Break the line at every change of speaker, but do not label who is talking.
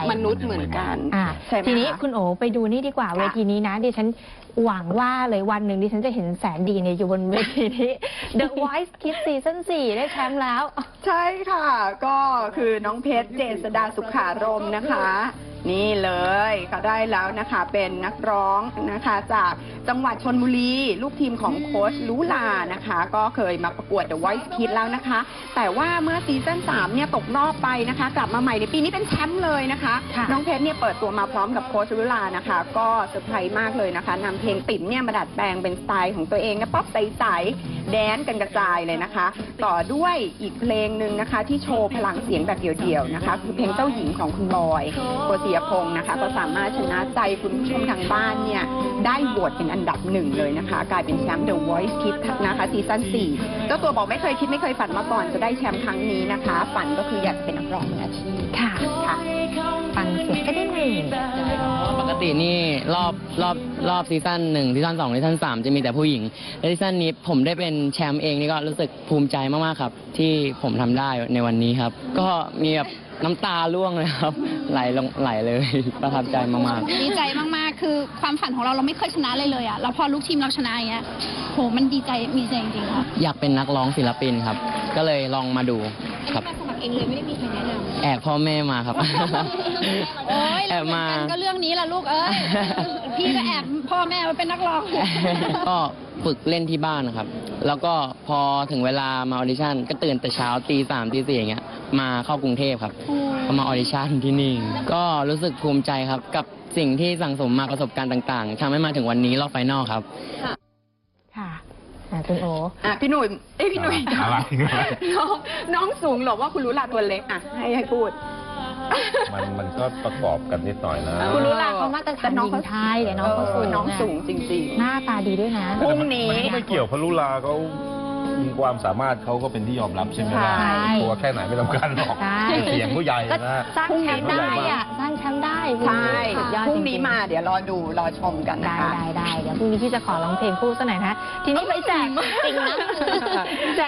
มนุษย์เหมือนกันใช่ไหม
ทีนี้คุณโอไปดูนี่ดีกว่าเวทีนี้นะดิฉันหวังว่าเลยวันหนึ่งดิฉันจะเห็นแสนดีเนี่ยอยู่บนเวทีนี้ The Voice Kids Season 4 ได้แชมป์แล้ว
ใช่ค่ะ ก็คือน้องเพชรเจษฎาสุขารมณ์นะคะ นี่เลยเขาได้แล้วนะคะเป็นนักร้องนะคะจากจังหวัดชลบุรีลูกทีมของโค้ชลุลานะคะ ก็เคยมาประกวด The Voice Kids แล้วนะคะ แต่ว่าเมื่อซีซั่น3เนี่ยตกรอบไปนะคะ กลับมาใหม่ในปีนี้เป็นแชมป์เลยนะคะ น้องเพชรเนี่ยเปิดตัวมาพร้อมกับโค้ชลุลานะคะ ก็เซอร์ไพรส์มากเลยนะคะนำเพลงติ๋มเนี่ยมาดัดแปลงเป็นสไตล์ของตัวเองนะป๊อปใสๆแดนกันกระจายเลยนะคะ ต่อด้วยอีกเพลงหนึ่งนะคะที่โชว์พลังเสียงแบบเดี่ยวๆนะคะคือเพลงเจ้าหญิงของคุณบอยโกศิยพงศ์นะคะก็สามารถชนะใจคุณผู้ชมทางบ้านเนี่ยได้โหวตเป็นอันดับ1เลยนะคะกลายเป็นแชมป์ The Voice Kids นะคะซีซั่น4เจ้าตัวบอกไม่เคยคิดไม่เคยฝันมาก่อนจะได้แชมป์ครั้งนี้นะคะฝันก็คืออยากเป็นนักร้องมืออาชีพ
ค่ะฟังเสียงก็ได้หนึ่ง
ปกตินี่รอบซีซั่น1ซีซั่น2ซีซั่น3จะมีแต่ผู้หญิงและซีซั่นนี้ผมได้เป็นแชมป์เองนี่ก็รู้สึกภูมิใจมากๆครับที่ผมทำได้ในวันนี้ครับ ก็มีแบบน้ำตาร่วงเลยครับไหลเลยประทับใจมากๆ
ดีใจมากๆคือความฝันของเราไม่เคยชนะเลยอ่ะแล้วพอลูกทีมเราชนะอย่างเงี้ยโหมันดีใจจริงๆค่ะ
อยากเป็นนักร้องศิลปินครับ ก็เลยลองมาดูครับ
สมัครเองเลยไม่ได้มีใครแนะนำ
แอบพ่อแม่มาครับ
โอ้ย
แอ
เรา
บ
เหมือน
มา
กันก็เรื่องนี้แหละลูกเอ้ย พี่ก็แอบพ่อแม่มาเป็นนักร้อง
ก็ฝึกเล่นที่บ้านนะครับ แล้วก็พอถึงเวลามาออดิชั่นก็ตื่นแต่เช้าตี 3ตี 4อย่างเงี้ยมาเข้ากรุงเทพครับก็มาออดิชั่นที่นี่ ก็รู้สึกภูมิใจครับกับสิ่งที่สั่งสมมาประสบการณ์ต่างๆทำให้มาถึงวันนี้รอบไฟนอลครับ
ค่ะคุณโอ
พี่หนุ่ยพี่หนุ่ย
อะไร
น้องสูงหรอว่าคุณรู้ลาตัวเล็กให้พูด
มันก็ประกอบกันนิดหน่อยนะ
คุณรู้ล่ะเขามาตรฐานหญิงไทยแต่น้องเขาสูง
น้องสูงจริงๆ
หน้าตาดีด้วยนะ
พรุ่งนี้
มันก็ไม่เกี่ยวพลุลาเขามีความสามารถเขาก็เป็นที่ยอมรับใช่ไหมล่ะ
ใช่
ตัวแค่ไหนไม่สำคัญหรอก
ใช่
เสียงผู้ใหญ่
ก็
นะ
สร้างแชมป์ได้อะสร้างแชมป์ได้
ใช่
สุดยอด
พรุ่ง
จ
นี้
ริงๆ
มาเดี๋ยวรอดูรอชมกันนะคะ
ได้เดี๋ยวพรุ่งนี้พี่จะขอร้องเพลงคู่สักหน่อยนะทีนี้ไปแจกจริงนะแจก